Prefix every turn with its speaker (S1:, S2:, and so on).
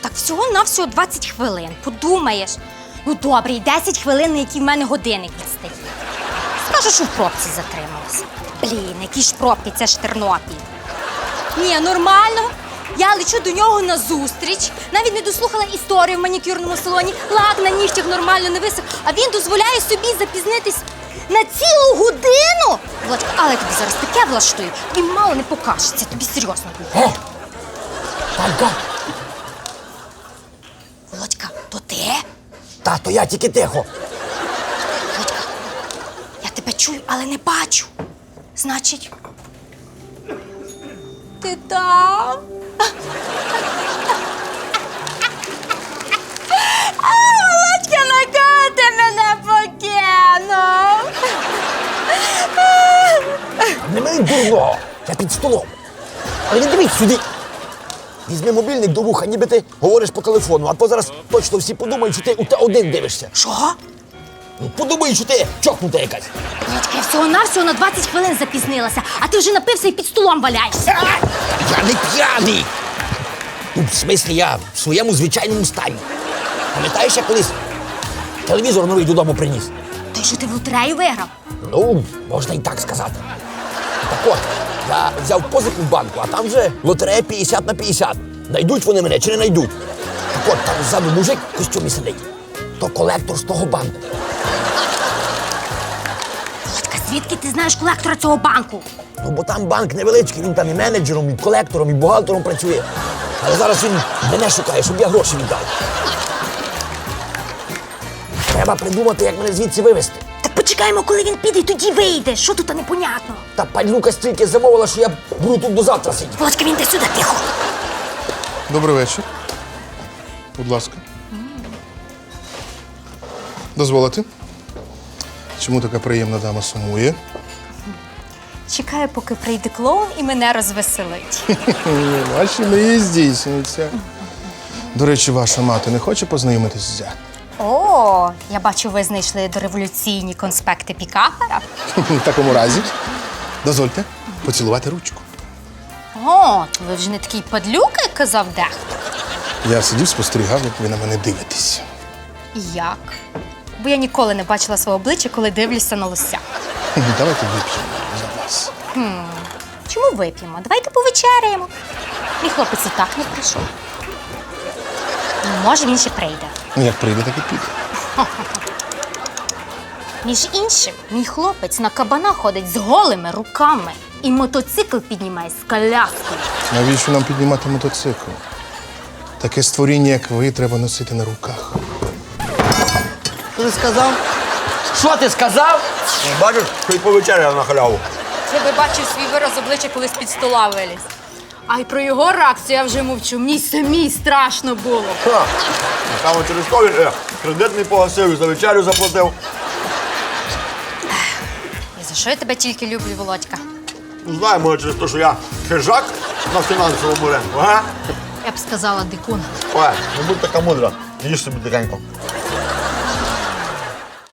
S1: Так всього-навсього 20 хвилин. Подумаєш. Ну добре, і 10 хвилин, на які в мене годинник відстає. Скажу, що в пробці затрималась. Блін, які ж пробки, це ж Тернопіль. Ні, нормально. Я лечу до нього на зустріч, навіть не дослухала історію в манікюрному салоні, лак на нігтях нормально не висох, а він дозволяє собі запізнитись на цілу годину. Володька, але я тобі зараз таке влаштую, тобі мало не покажеться, тобі серйозно.
S2: Танька!
S1: Володька, то ти?
S2: Тато, я тільки тихо.
S1: Володька, я тебе чую, але не бачу. Значить, ти там? Володька, на кого ти мене покинув?
S2: Не мені дурно, я під столом. Але не дивись сюди. Візьми мобільник до вуха, ніби ти говориш по телефону, а то зараз точно всі подумають, що ти у Т1 дивишся.
S1: Що?
S2: Ну, подумають, що ти чокнута якась.
S1: Володька, я всього-навсього на 20 хвилин запізнилася, а ти вже напився і під столом валяєшся.
S2: Я не п'яний. Ну, в смислі, я в своєму звичайному стані. Пам'ятаєш, я колись телевізор новий додому приніс?
S1: Той, що ти в лотерею виграв?
S2: Ну, можна і так сказати. Так от, я взяв позику в банку, а там вже лотерея 50 на 50. Найдуть вони мене чи не найдуть. Так от, там ззаду мужик в костюмі сидить. То колектор з того банку.
S1: Володька, звідки ти знаєш колектора цього банку?
S2: Ну, бо там банк невеличкий, він там і менеджером, і колектором, і бухгалтером працює. Але зараз він мене шукає, щоб я гроші віддав. Треба придумати, як мене звідси вивезти.
S1: Так почекаємо, коли він піде, і тоді вийде. Що тут непонятно?
S2: Та панюка стільки замовила, що я буду тут до завтра сидіти.
S1: Володька, він йде сюди, тихо.
S3: Добрий вечір. Будь ласка. Дозволите? Чому така приємна дама сумує?
S1: Чекаю, поки прийде клоун і мене розвеселить.
S3: Ваші мрії здійснюються. До речі, ваша мати не хоче познайомитись з зятем?
S1: О, я бачу, ви знайшли дореволюційні конспекти Пікафера.
S3: В такому разі, дозвольте поцілувати ручку.
S1: О, то ви вже не такий падлюка, як казав дехто.
S3: Я сидів, спостерігав, як ви на мене дивитесь.
S1: І як? Бо я ніколи не бачила свого обличчя, коли дивлюся на лося.
S3: Давайте вип'ємо за вас.
S1: Чому вип'ємо? Давайте повечеряємо. Мій хлопець і так не прийшов. Ну, може, він ще прийде.
S3: Ну, як прийде, так і піде.
S1: Між іншим, мій хлопець на кабана ходить з голими руками і мотоцикл піднімає з коляскою.
S3: Навіщо нам піднімати мотоцикл? Таке створіння, як ви, треба носити на руках.
S2: Що ти сказав? Що ти сказав?
S4: Бачиш, що й повечеряв на халяву.
S1: Ти би бачив свій вираз обличчя, коли з-під стола виліз. А й про його реакцію я вже мовчу. Мені самій страшно було.
S4: Там через ковід кредитний погасив і за вечерю заплатив.
S1: І за що я тебе тільки люблю, Володька?
S4: Ну, знаю, може, через те, що я хижак на фінансовому ринку, га?
S1: Я б сказала, дикун.
S4: Ой, не будь така мудра, їж собі тихенько.